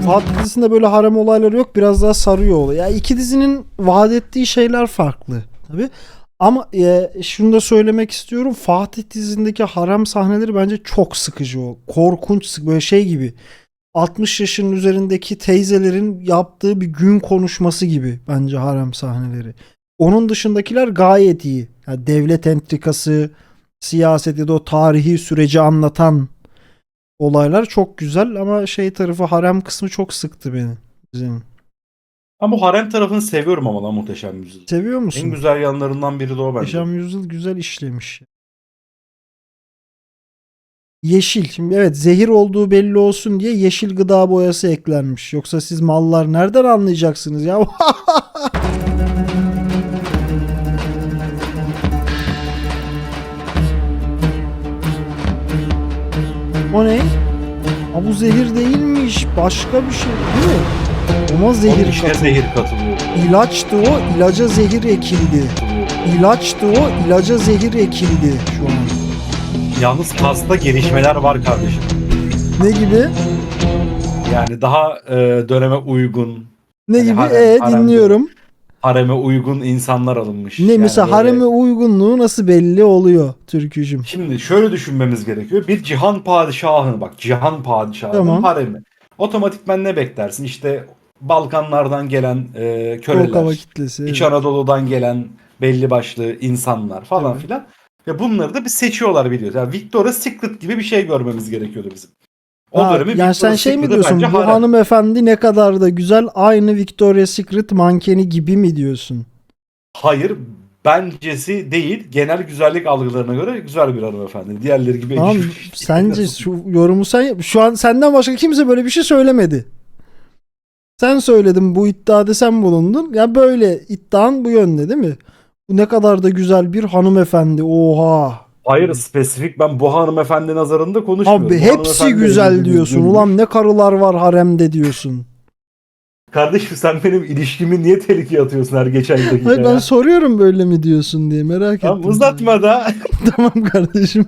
Fatih dizisinde böyle harem olayları yok. Biraz daha sarıyor olay. Ya iki dizinin vaat ettiği şeyler farklı tabii. Ama şunu da söylemek istiyorum. Fatih dizisindeki harem sahneleri bence çok sıkıcı o. Korkunç böyle şey gibi. 60 yaşının üzerindeki teyzelerin yaptığı bir gün konuşması gibi bence harem sahneleri. Onun dışındakiler gayet iyi. Yani devlet entrikası, siyaset ya da o tarihi süreci anlatan olaylar çok güzel ama şey tarafı harem kısmı çok sıktı beni dizinin. Ben bu harem tarafını seviyorum ama lan Muhteşem Yüzyıl. Seviyor En musun? güzel yanlarından biri de o bence. Yaşam Yüzyıl güzel işlemiş. Yeşil. Şimdi evet zehir olduğu belli olsun diye yeşil gıda boyası eklenmiş. Yoksa siz mallar nereden anlayacaksınız ya? O ne? Ha bu zehir değilmiş. Başka bir şey değil mi? Ama Onun zehir içine katıldı. zehir katılıyor. İlaçtı o, ilaca zehir ekildi. İlaçtı o, ilaca zehir ekildi şu an. Yalnız kasta gelişmeler var kardeşim. Ne gibi? Yani daha döneme uygun. Ne Hani gibi? haremde- Dinliyorum. Hareme uygun insanlar alınmış. Ne Yani mesela böyle- hareme uygunluğu nasıl belli oluyor Türkücüm? Şimdi şöyle düşünmemiz gerekiyor. Bir cihan padişahını bak, cihan padişahının Tamam. haremi. Otomatikman ne beklersin? İşte Balkanlardan gelen Soğuk köleler, hava kitlesi. İç Evet. Anadolu'dan gelen belli başlı insanlar falan Evet. filan. Ve bunları da bir seçiyorlar biliyoruz. Yani Victoria's Secret gibi bir şey görmemiz gerekiyordu bizim. O Ha, dönemi yani sen Victoria's şey mi Secret'ı diyorsun? bence Bu harem. hanımefendi ne kadar da güzel, aynı Victoria's Secret mankeni gibi mi diyorsun? Hayır, bencesi değil. Genel güzellik algılarına göre güzel bir hanımefendi. Diğerleri gibi Tamam, sence şu yorumu sen yap. Şu an senden başka kimse böyle bir şey söylemedi. Sen söyledin, bu iddiada sen bulundun. Ya böyle iddian bu yönde değil mi? Bu ne kadar da güzel bir hanımefendi. Oha. Hayır, spesifik ben bu hanımefendi nazarında konuşmuyorum. Abi Bu hepsi hanımefendi güzel yüzü diyorsun. düzgünmüş. Ulan ne karılar var haremde diyorsun. Kardeşim sen benim ilişkimi niye tehlikeye atıyorsun her geçen dakika Hayır ben ya? soruyorum böyle mi diyorsun diye merak Tamam, ettim. uzatma da. Tamam kardeşim.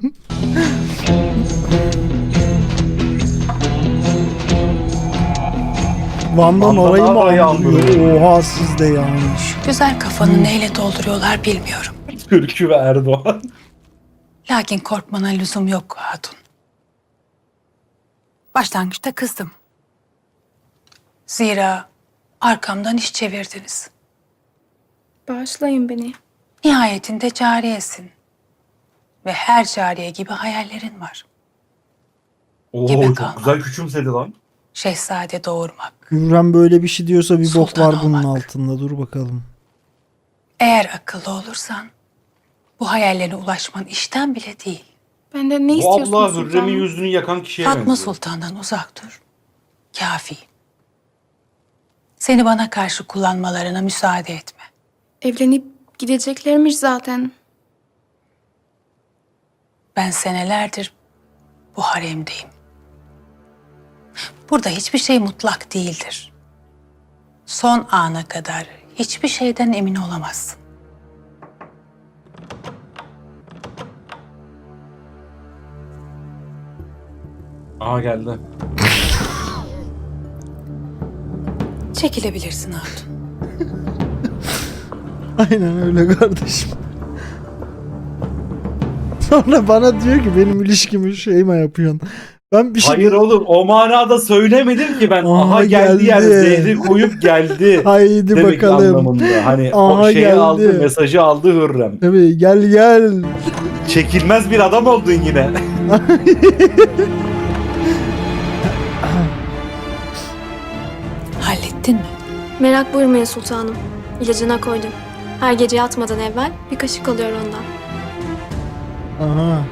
Van'dan Van'dan orayı mı orayı andırıyor? andırıyor. Oha siz de yani. Güzel kafanı neyle dolduruyorlar bilmiyorum. Türkü ve Erdoğan. Lakin korkmana lüzum yok hatun. Başlangıçta kızdım. Zira arkamdan iş çevirdiniz. Bağışlayın beni. Nihayetinde cariyesin. Ve her cariye gibi hayallerin var. Oo, Gebe çok kalma. güzel küçümsedi lan. Şehzade doğurmak. Hürrem böyle bir şey diyorsa bir bok Sultan var bunun olmak. altında. Dur bakalım. Eğer akıllı olursan bu hayallerine ulaşman işten bile değil. Benden ne Bu istiyorsunuz abla Hürrem'in sultanım? yüzünü yakan kişiye Fatma benziyor. Sultan'dan uzak dur. Kafi. Seni bana karşı kullanmalarına müsaade etme. Evlenip gideceklermiş zaten. Ben senelerdir bu haremdeyim. Burada hiçbir şey mutlak değildir. Son ana kadar hiçbir şeyden emin olamazsın. Aha geldi. Çekilebilirsin hatun. Aynen öyle kardeşim. Sonra bana diyor ki benim ilişkimi şey mi yapıyorsun? Ben bir şey... Hayır oğlum, o manada söylemedim ki ben. Aha, Aha geldi yani, geldi. zehri koyup geldi. Haydi Demek bakalım. anlamında. Hani Aha, o şeyi geldi. aldı, mesajı aldı Hürrem. Tabii gel gel. Çekilmez bir adam oldun yine. Hallettin mi? Merak buyurmayın sultanım. İlacına koydum. Her gece yatmadan evvel bir kaşık alıyor ondan. Aha.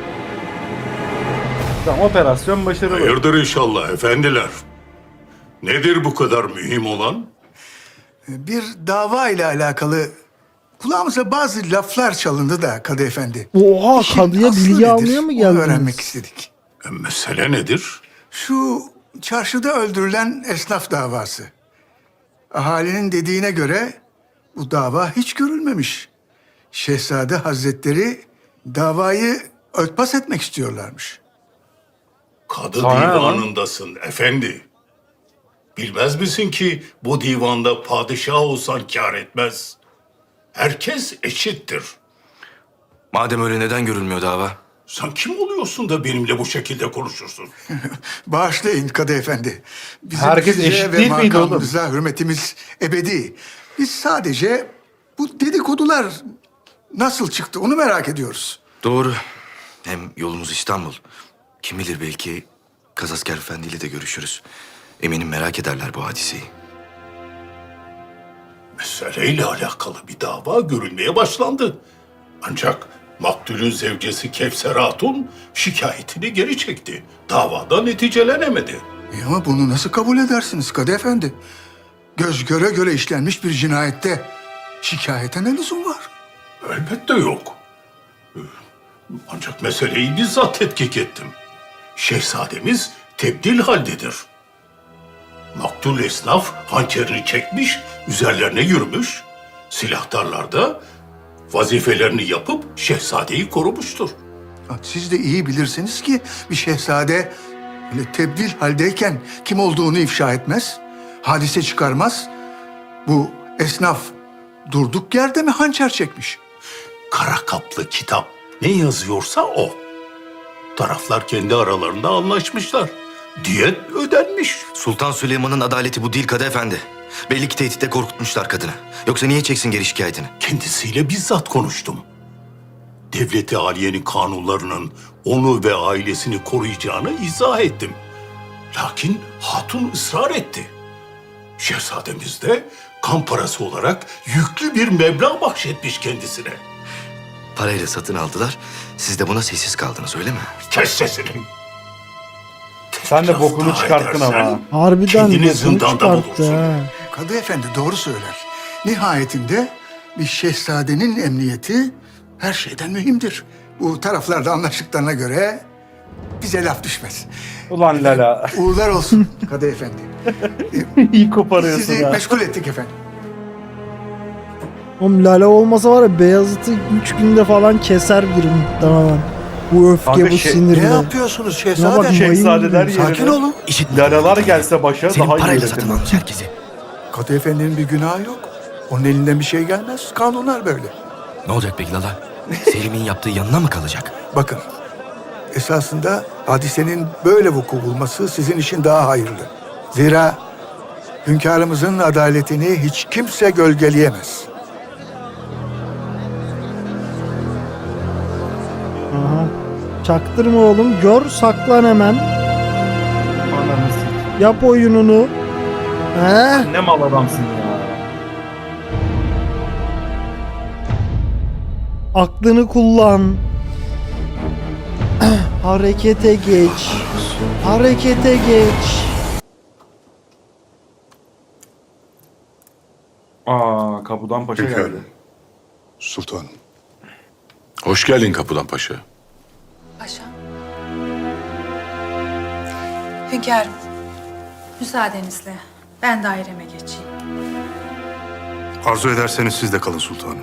Tamam, operasyon başarılı. Hayırdır inşallah efendiler. Nedir bu kadar mühim olan? Bir dava ile alakalı kulağımıza bazı laflar çalındı da Kadı Efendi. Oha İşin kadıya aslı bilgi nedir? almaya mı Onu geldiniz? öğrenmek istedik. Mesele nedir? Şu çarşıda öldürülen esnaf davası. Ahalinin dediğine göre bu dava hiç görülmemiş. Şehzade Hazretleri davayı örtbas etmek istiyorlarmış. Kadı Sana ne lan? divanındasın efendi. Bilmez misin ki bu divanda padişah olsan kâr etmez. Herkes eşittir. Madem öyle neden görülmüyor dava? Sen kim oluyorsun da benimle bu şekilde konuşursun? Bağışlayın Kadı Efendi. Bizim Herkes size eşit ve değil miydi oğlum? makamınıza hürmetimiz ebedi. Biz sadece bu dedikodular nasıl çıktı onu merak ediyoruz. Doğru. Hem yolumuz İstanbul. Kim bilir belki Kazasker Efendi ile de görüşürüz. Eminim merak ederler bu hadiseyi. Meseleyle alakalı bir dava görülmeye başlandı. Ancak maktulün zevcesi Kevser Hatun şikayetini geri çekti. Davada neticelenemedi. Ama bunu nasıl kabul edersiniz Kadı Efendi? Göz göre göre işlenmiş bir cinayette şikayete ne lüzum var? Elbette yok. Ancak meseleyi bizzat tetkik ettim. Şehzademiz tebdil haldedir. Maktul esnaf hançerini çekmiş, üzerlerine yürümüş. Silahtarlar da vazifelerini yapıp şehzadeyi korumuştur. Siz de iyi bilirsiniz ki bir şehzade öyle tebdil haldeyken kim olduğunu ifşa etmez, hadise çıkarmaz. Bu esnaf durduk yerde mi hançer çekmiş? Kara kaplı kitap ne yazıyorsa o. Taraflar kendi aralarında anlaşmışlar. Diyet ödenmiş. Sultan Süleyman'ın adaleti bu değil Kadı Efendi. Belli ki tehditle korkutmuşlar kadını. Yoksa niye çeksin geri şikayetini? Kendisiyle bizzat konuştum. Devleti Aliye'nin kanunlarının onu ve ailesini koruyacağını izah ettim. Lakin hatun ısrar etti. Şehzademiz de kan parası olarak yüklü bir meblağ bahşetmiş kendisine. Parayla satın aldılar. Siz de buna sessiz kaldınız öyle mi? Kes sesini. Sen de bokunu Biraz daha çıkarttın edersen, ama. Harbiden kendini bokunu zindanda çıkarttı bulursun. ha. Kadı Efendi doğru söyler. Nihayetinde bir şehzadenin emniyeti her şeyden mühimdir. Bu taraflar da anlaştıklarına göre bize laf düşmez. Ulan Lala. Uğurlar olsun Kadı Efendi. İyi koparıyorsun Sizi ha. meşgul ettik efendim. Oğlum Lale olmasa var ya Beyazıt'ı 3 günde falan keser biri muhtemelen. Bu öfke, Kanka bu sinirle. Ne yapıyorsunuz Ya bak, şehzade? mayın Şehzadeler gibi. Sakin yerine olun. Lalalar gelse başa Senin daha iyi parayla yönetir. satın almış herkesi. Kadı Efendi'nin bir günahı yok. Onun elinden bir şey gelmez. Kanunlar böyle. Ne olacak peki Lala? Selim'in yaptığı yanına mı kalacak? Bakın, esasında hadisenin böyle vuku bulması sizin için daha hayırlı. Zira hünkârımızın adaletini hiç kimse gölgeleyemez. Aha. Çaktırma oğlum. Gör, saklan hemen. Ananı s***. Yap oyununu. He? Ne mal adamsın ya. Aklını kullan. Harekete geç. Harekete geç. Aa, kapıdan paşa geldi. Hünkârım. Sultanım. Hoş geldin Kapıdan Paşa. Paşam. Hünkârım, müsaadenizle ben daireme geçeyim. Arzu ederseniz siz de kalın sultanım.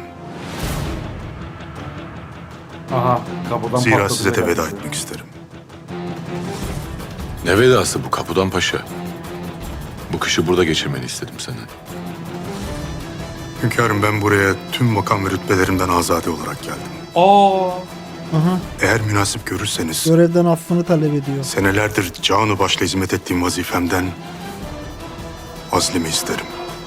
Aha, kapıdan Zira patladı size de beyler. veda etmek isterim. Ne vedası bu Kapıdan Paşa? Bu kışı burada geçirmeni istedim senden. Hünkârım ben buraya tüm makam ve rütbelerimden azade olarak geldim. Aa, Aha. Eğer münasip görürseniz Görevden affını talep ediyor. senelerdir canı başla hizmet ettiğim vazifemden azlimi isterim.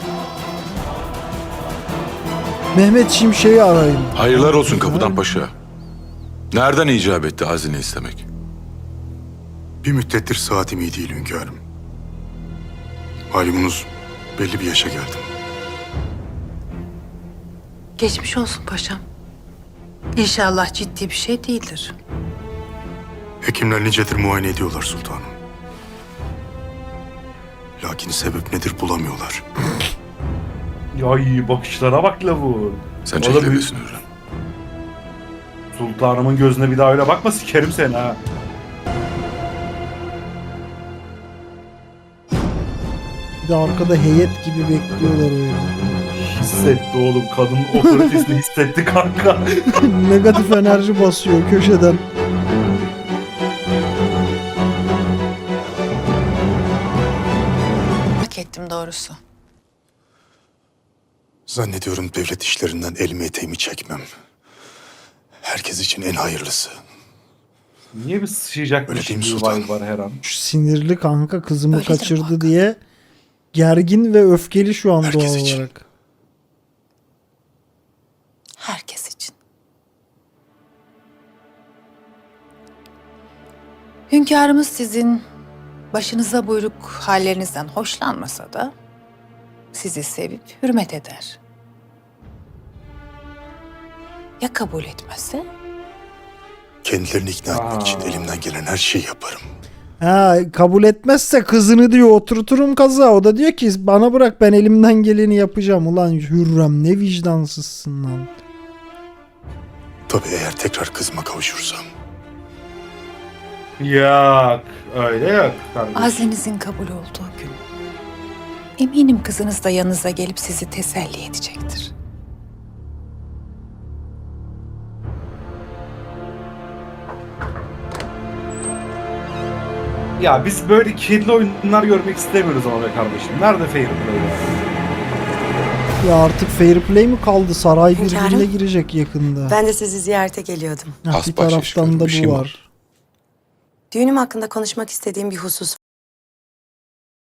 Mehmet Şimşek'i arayın. Hayırlar olsun Kapıdan Paşa. Nereden icap etti hazine istemek? Bir müddettir saatim iyi değil hünkârım. Malumunuz belli bir yaşa geldim. Geçmiş olsun paşam. İnşallah ciddi bir şey değildir. Hekimler nicedir muayene ediyorlar sultanım. Lakin sebep nedir bulamıyorlar. ya iyi bakışlara bak lavur. Sen O da çekilebilirsin Hürrem. Sultanımın gözüne bir daha öyle bakma, sikerim seni ha. Bir de arkada heyet gibi bekliyorlar öyle. Hissetti oğlum, kadının otoritesini hissetti kanka. Negatif enerji basıyor köşeden. doğrusu. Zannediyorum devlet işlerinden elimi eteğimi çekmem. Herkes için en hayırlısı. Niye bir sıçrayacakmış Öyle değil mi gibi sultanım? vibe var her an? Şu sinirli kanka kızımı Öyledir kaçırdı muhakkak. diye gergin ve öfkeli şu an Herkes doğal için. olarak. Herkes için. Hünkârımız sizin başınıza buyruk hallerinizden hoşlanmasa da sizi sevip hürmet eder. Ya kabul etmezse? Kendilerini ikna etmek için elimden gelen her şeyi yaparım. Ha, kabul etmezse kızını diyor oturturum kaza. O da diyor ki bana bırak ben elimden geleni yapacağım. Ulan Hürrem ne vicdansızsın lan. Tabii eğer tekrar kızıma kavuşursam. Yok. Öyle yok kardeşim. Azenizin kabul olduğu gün. Eminim kızınız da yanınıza gelip sizi teselli edecektir. Ya biz böyle kirli oyunlar görmek istemiyoruz ama be kardeşim. Nerede fair play ya? Ya artık fair play mi kaldı? Saray Hünkârım. birbirine girecek yakında. Ben de sizi ziyarete geliyordum. Ha, bir Hasbahçe taraftan şöyle da bir şey bu mi var. Düğünüm hakkında konuşmak istediğim bir husus